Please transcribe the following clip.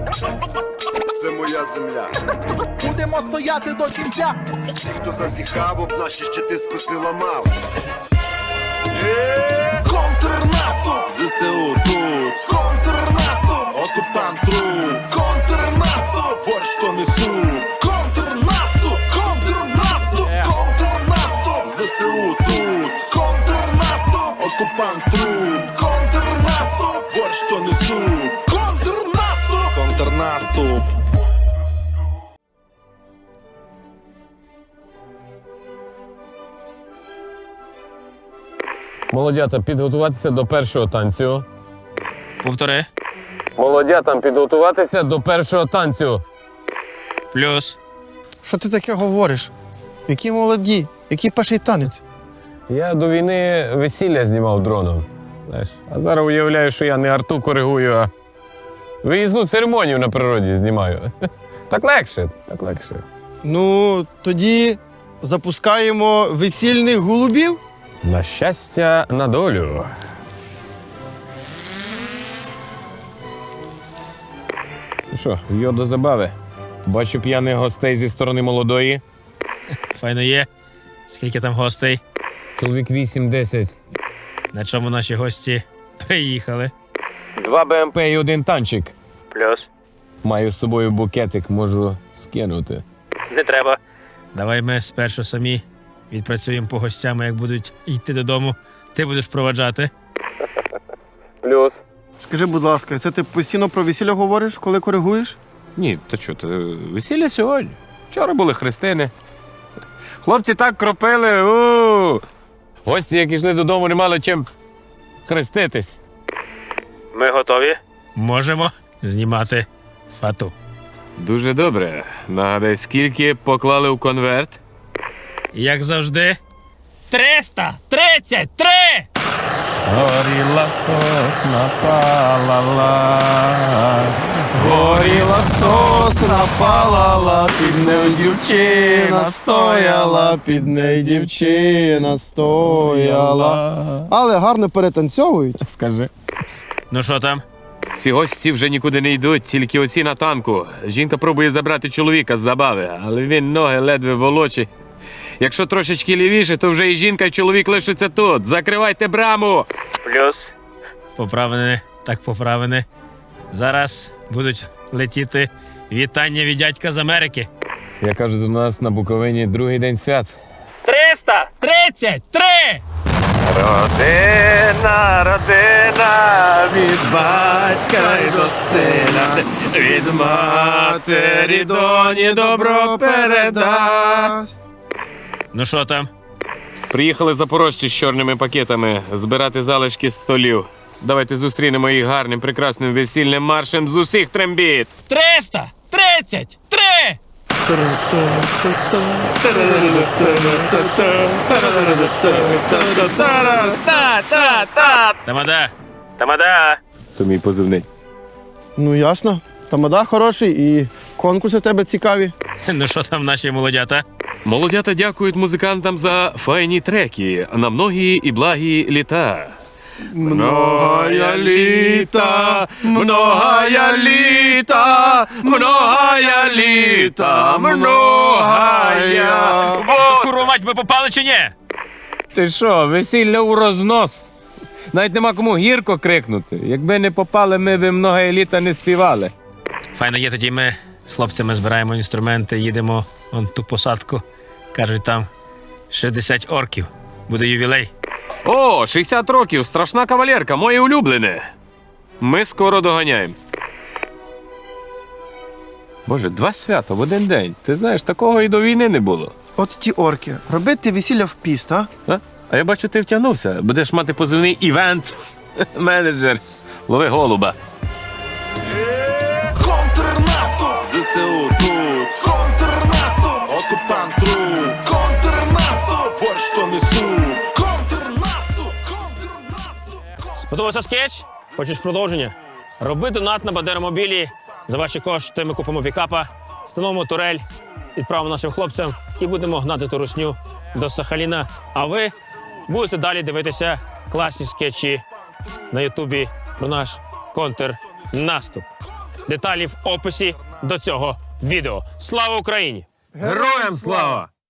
Це моя земля. Будемо стояти до кінця. Всі, хто зазіхав, об наші щити списи ламав. Контрнаступ! ЗСУ тут, Контрнаступ! окупант труп, Контрнаступ! борщ то несу, Контрнаступ! Контрнаступ! Контрнаступ! ЗСУ тут, Контрнаступ! окупант труп, Контрнаступ! борщ то несу, Контрнаступ! контрнаступ. Молодята, підготуватися до першого танцю. Повтори. Молодятам підготуватися до першого танцю. Плюс. Що ти таке говориш? Які молоді, який перший танець? Я до війни весілля знімав дроном. Знаєш, а зараз уявляю, що я не арту коригую, а виїзну церемонію на природі знімаю. Так легше, так легше. Ну, тоді запускаємо весільних голубів. На щастя, на долю. Ну що, йо до забави. Бачу п'яних гостей зі сторони молодої. Файно є. Скільки там гостей? Чоловік 8-10. На чому наші гості приїхали? 2 БМП і 1 танчик. Плюс. Маю з собою букетик, можу скинути. Не треба. Давай ми спершу самі відпрацюємо по гостям, а як будуть йти додому, ти будеш проваджати. Плюс. Скажи, будь ласка, це ти постійно про весілля говориш, коли коригуєш? Ні, то що, то весілля сьогодні. Вчора були хрестини. Хлопці так кропили. Гості, як йшли додому, не мали чим хреститись. Ми готові? Можемо знімати фату. Дуже добре. Нагадай, скільки поклали в конверт? Як завжди. 333! Горіла сосна палала, горіла сосна палала, під нею дівчина стояла, під нею дівчина стояла. Але гарно перетанцьовують. Скажи. Ну що там? Всі гості вже нікуди не йдуть, тільки оці на танку. Жінка пробує забрати чоловіка з забави, але він ноги ледве волочить. Якщо трошечки лівіше, то вже і жінка, і чоловік лишаться тут. Закривайте браму! Плюс. Поправлене, так поправлене. Зараз будуть летіти вітання від дядька з Америки. Я кажу, до нас на Буковині другий день свят. 333! Родина, родина, від батька й до сина, від матері доні добро передасть. Ну що там? Приїхали запорожці з чорними пакетами збирати залишки столів. Давайте зустрінемо їх гарним, прекрасним весільним маршем з усіх трембіт. 333! Тамада! Тамада! То мій позивний. Ну, ясно. Тамада хороший і конкурси в тебе цікаві. Ну що там наші молодята? Молодята дякують музикантам за файні треки на многі і благі літа. Многая літа, многая літа, многая літа, многая. То курва мать, ми попали чи ні? Ти що, весілля у рознос? Навіть нема кому гірко крикнути. Якби не попали, ми б многая літа не співали. Файно є, тоді ми з хлопцями збираємо інструменти, їдемо вон ту посадку. Кажуть, там 60 орків. Буде ювілей. О, 60 років, страшна кавалерка, моє улюблене. Ми скоро доганяємо. Боже, 2 свята в один день. Ти знаєш, такого і до війни не було. От ті орки. Робити весілля в піст, а? А я бачу, ти втягнувся. Будеш мати позивний івент-менеджер. Лови голуба. Контрнаступ! ЗСУ тут, Контрнаступ! окупант труп, Контрнаступ! борщ то несу, Контрнаступ! Контрнаступ! Сподобався скетч? Хочеш продовження? Роби донат на Бандеромобілі. За ваші кошти ми купимо пікапа, встановимо турель, відправимо нашим хлопцям і будемо гнати ту русню до Сахаліна. А ви будете далі дивитися класні скетчі на Ютубі про наш контрнаступ. Деталі в описі до цього відео. Слава Україні! Героям слава!